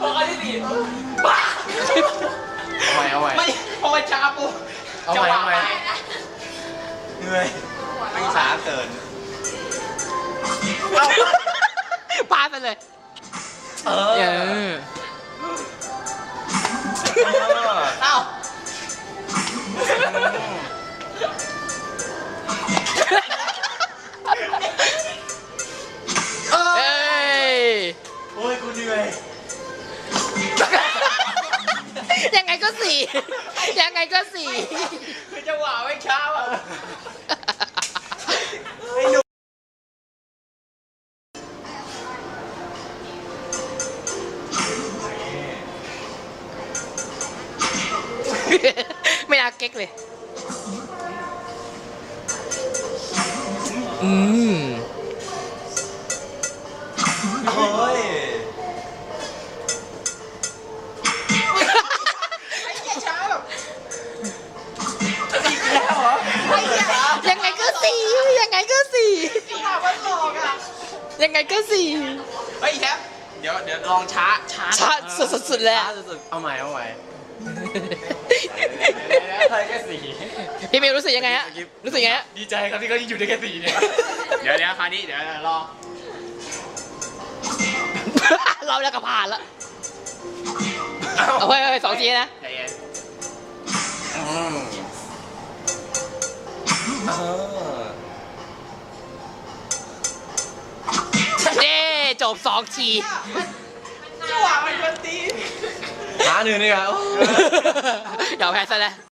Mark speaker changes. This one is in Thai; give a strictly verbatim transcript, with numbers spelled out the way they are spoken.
Speaker 1: พออันที่สี่บ้า
Speaker 2: เอาใหม่เอาใหม่
Speaker 1: ไม่พอมันช้าปุ๊บ
Speaker 2: เอา
Speaker 1: จะ
Speaker 2: ใหม่
Speaker 1: วา
Speaker 2: เอา
Speaker 1: ง
Speaker 2: ใหม่
Speaker 1: ไป
Speaker 2: เหนื่อยไม่ช้าเกิน
Speaker 3: พาไปเลย
Speaker 2: เอ
Speaker 3: เอ
Speaker 2: อ
Speaker 3: อ
Speaker 1: เอ้า
Speaker 3: เอ้ย
Speaker 2: โอ้ยกูเหนื่อย
Speaker 3: ยังไงก็สี่ยังไงก็สี่
Speaker 1: คือจังหวะไม่ช้าอ่ะ
Speaker 3: ไม่น่าเก๊กเลย อืม
Speaker 2: โอ้ย
Speaker 1: ไอ้เหี้ยช้าแบบ
Speaker 2: อีกแล้วเหรอ
Speaker 1: ไอ้เหี้ยช้า
Speaker 3: ยังไงก็สี่ยังไงก็สี่
Speaker 1: จังหวะมันหลอกอ่ะ
Speaker 3: ยังไงก็สี่
Speaker 1: เฮ้ยแทบเดี๋ยวเดี๋ยวลองช้าช้า
Speaker 3: ช้าสุดๆเลย
Speaker 2: ช้า
Speaker 3: อะ
Speaker 2: สุดๆเอาใหม่เอาใหม่ใครแค่สี่
Speaker 3: พี่มิวรู้สึกยังไงฮะ รู้สึกยังไงฮะ
Speaker 1: ดีใจครับที่เขาอยู่ได้แค่สี่เนี่ยเดี๋ยวเดี๋ยวคราวนี้เดี๋ยวรอ
Speaker 3: เราแล้วก็ผ่านแล้วเอาไว้ไว้สองทีนะ
Speaker 1: ใจเย็น
Speaker 2: อืมเออ
Speaker 3: เย้จบสองที
Speaker 1: จังหวะมันกวนตีน
Speaker 2: หาหนึ่งนี่ครับ
Speaker 3: เดี๋ยวแพ้ซะแล้ว